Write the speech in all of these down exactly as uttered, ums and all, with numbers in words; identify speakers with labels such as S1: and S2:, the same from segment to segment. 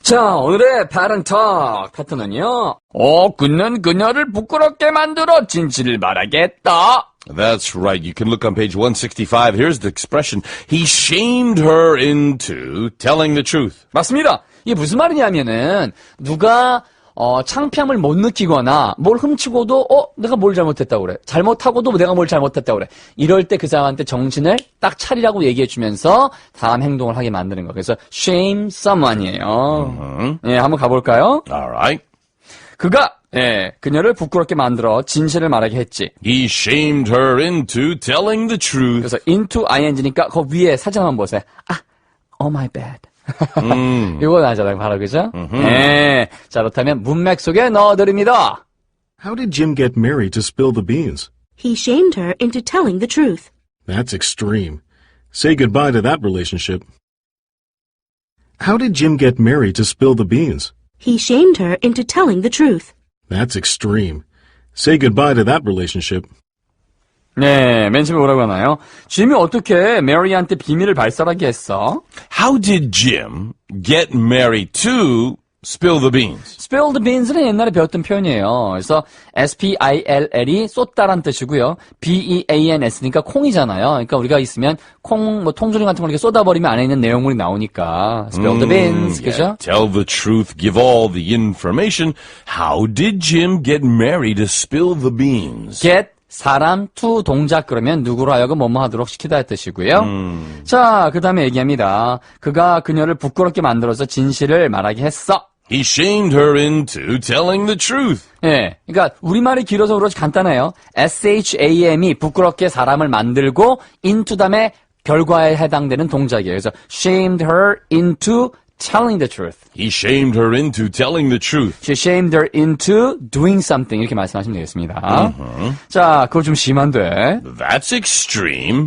S1: 자, 오늘의 Pattern Talk 패턴은요. 어, 그는 그녀를 부끄럽게 만들어 진실을 말하겠다.
S2: That's right. You can look on page one sixty-five. Here's the expression. He shamed her into telling the truth.
S1: 맞습니다. 이게 무슨 말이냐면은 누가 어, 창피함을 못 느끼거나 뭘 훔치고도 어 내가 뭘 잘못했다고 그래. 잘못하고도 내가 뭘 잘못했다고 그래. 이럴 때 그 사람한테 정신을 딱 차리라고 얘기해주면서 다음 행동을 하게 만드는 거. 그래서 shame someone이에요.
S2: Mm-hmm.
S1: 예, 한번 가볼까요?
S2: All right.
S1: 그가 예, 그녀를 부끄럽게 만들어 진실을 말하게 했지.
S2: He shamed her into telling the truth.
S1: 그래서 into ing니까 그 위에 사진 한번 보세요. 아, oh my bad.
S2: 음.
S1: 이거 나잖아요, 바로 그죠? 네. 자, 그렇다면 문맥 속에 넣어드립니다.
S3: How did Jim get Mary to spill the beans?
S4: He shamed her into telling the truth.
S3: That's extreme. Say goodbye to that relationship. How did Jim get Mary to spill the beans?
S4: He shamed her into telling the truth.
S3: That's extreme. Say goodbye to that relationship.
S1: 네, 맨 처음에 뭐라고 하나요? 짐이 어떻게 메리한테 비밀을 발설하게 했어?
S2: How did Jim get Mary to spill the beans?
S1: Spill the beans는 옛날에 배웠던 표현이에요. 그래서 S-P-I-L-L이 쏟다란 뜻이고요. B-E-A-N-S니까 콩이잖아요. 그러니까 우리가 있으면 콩, 뭐 통조림 같은 거 이렇게 쏟아버리면 안에 있는 내용물이 나오니까 Spill the beans,
S2: Mm,
S1: 그죠?
S2: yeah. Tell the truth, give all the information. How did Jim get Mary to spill the beans?
S1: get 사람, to 동작 그러면 누구로 하여금 뭐뭐 하도록 시키다 의 뜻이고요. 음. 자, 그 다음에 얘기합니다. 그가 그녀를 부끄럽게 만들어서 진실을 말하게 했어.
S2: He shamed her into telling the truth.
S1: 예, 그러니까 우리말이 길어서 그렇지 간단해요. S-H-A-M이 부끄럽게 사람을 만들고 into 다음에 결과에 해당되는 동작이에요. 그래서 shamed her into telling the truth.
S2: He shamed her into telling the truth.
S1: She shamed her into doing something. 이렇게 말씀하시면 되겠습니다. Uh-huh. 자, 그거 좀 심한데.
S2: That's extreme.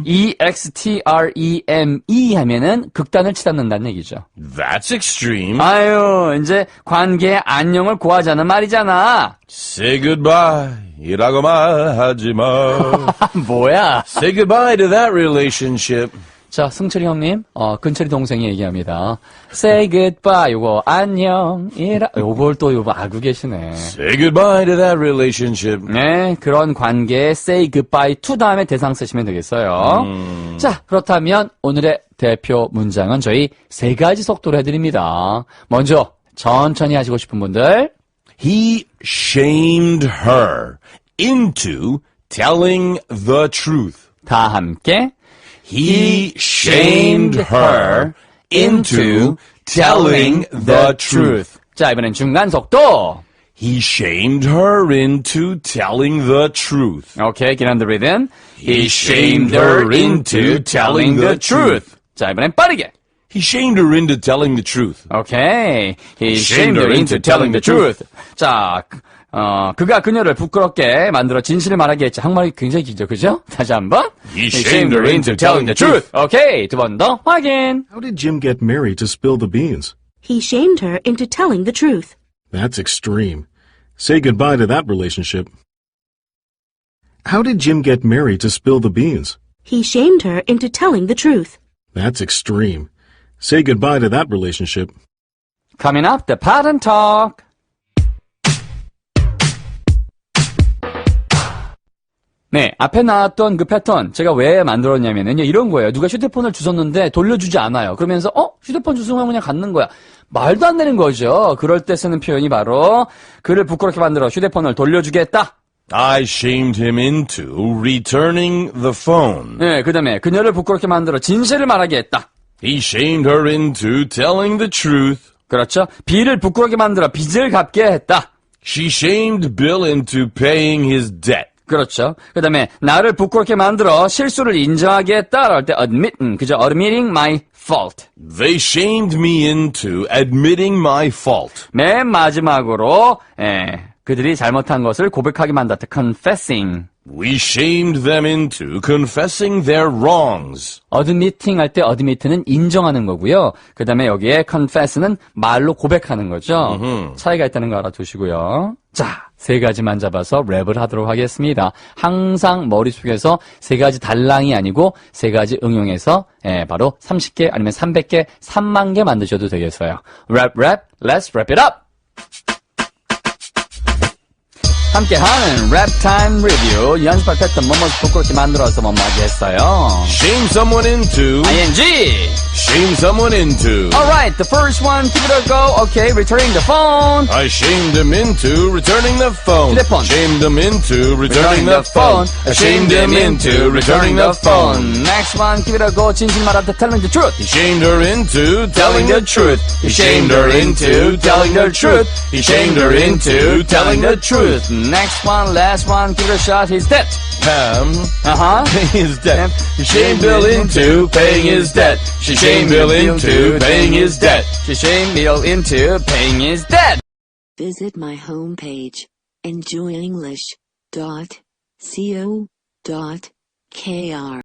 S1: E-X-T-R-E-M-E 하면은 극단을 치닫는다는 얘기죠.
S2: That's extreme.
S1: 아유, 이제 관계의 안녕을 구하자는 말이잖아.
S2: Say goodbye. 이라고 말하지 마.
S1: 뭐야?
S2: Say goodbye to that relationship.
S1: 자, 승철이 형님, 어, 근철이 동생이 얘기합니다. Say goodbye, 요거, 안녕, 이라, 요걸 또, 요거 알고 계시네.
S2: Say goodbye to that relationship.
S1: 네, 그런 관계에 say goodbye to 다음에 대상 쓰시면 되겠어요. 음. 자, 그렇다면 오늘의 대표 문장은 저희 세 가지 속도로 해드립니다. 먼저, 천천히 하시고 싶은 분들.
S2: He shamed her into telling the truth.
S1: 다 함께.
S2: He shamed her into telling the truth.
S1: 자, 이번엔 중간 속도.
S2: He shamed her into telling the truth.
S1: 오케이, get on the rhythm. He shamed her into telling the truth. 자, 이번엔 빠르게.
S2: He shamed her into telling the truth.
S1: 오케이. He shamed her into telling the truth. 자, 어, 그가 그녀를 부끄럽게 만들어 진실을 말하게 했지. 한국말이 굉장히 길죠, 그죠? 다시 한번.
S2: He shamed her into telling the truth.
S1: 오케이, 두 번 더 확인.
S3: How did Jim get Mary to spill the beans?
S4: He shamed her into telling the truth.
S3: That's extreme. Say goodbye to that relationship. How did Jim get Mary to spill the beans?
S4: He shamed her into telling the truth.
S3: That's extreme. Say goodbye to that relationship.
S1: Coming up, the Pattern Talk. 네, 앞에 나왔던 그 패턴 제가 왜 만들었냐면요, 이런 거예요. 누가 휴대폰을 주웠는데 돌려주지 않아요. 그러면서 어? 휴대폰 주워서 그냥 갖는 거야. 말도 안 되는 거죠. 그럴 때 쓰는 표현이 바로 그를 부끄럽게 만들어 휴대폰을 돌려주겠다.
S2: I shamed him into returning the phone.
S1: 네, 그 다음에 그녀를 부끄럽게 만들어 진실을 말하게 했다.
S2: He shamed her into telling the truth.
S1: 그렇죠. B를 부끄럽게 만들어 빚을 갚게 했다.
S2: She shamed Bill into paying his debt.
S1: 그렇죠. 그 다음에 나를 부끄럽게 만들어 실수를 인정하게 했다. 할 때 admit, 음, 그죠? admitting my fault.
S2: They shamed me into admitting my fault.
S1: 맨 마지막으로 예, 그들이 잘못한 것을 고백하게 만들었다. confessing.
S2: We shamed them into confessing their wrongs.
S1: admitting 할 때 admit는 인정하는 거고요. 그 다음에 여기에 confess는 말로 고백하는 거죠. 차이가 있다는 거 알아두시고요. 자, 세 가지만 잡아서 랩을 하도록 하겠습니다. 항상 머릿속에서 세 가지 달랑이 아니고 세 가지 응용해서 예, 바로 삼십 개 아니면 삼백 개, 삼만 개 만드셔도 되겠어요. 랩, 랩, let's wrap it up! 함께하는 랩타임 리뷰 연습할 때 뭐뭐 부끄럽게 만들어서 뭐뭐하게 했어요.
S2: Shame someone into.
S1: ing
S2: Shame someone into.
S1: Alright, the first one, give it a go. Okay, returning the phone.
S2: I shamed him into returning the phone.
S1: 휴대폰.
S2: Shamed him into returning the phone. I shamed him into returning the phone.
S1: Next one, give it a go. 진실 말한테 telling the truth.
S2: He shamed her into telling the truth. He shamed her into telling the truth. He shamed her into telling the truth.
S1: Next one, last one, give it a shot. He's dead.
S2: Pam
S1: Uh-huh.
S2: paying his debt. He shamed Bill into paying his debt. She shamed Bill into paying his debt.
S1: She shamed Bill into paying his debt.
S5: Visit my homepage, enjoy english dot co dot kr.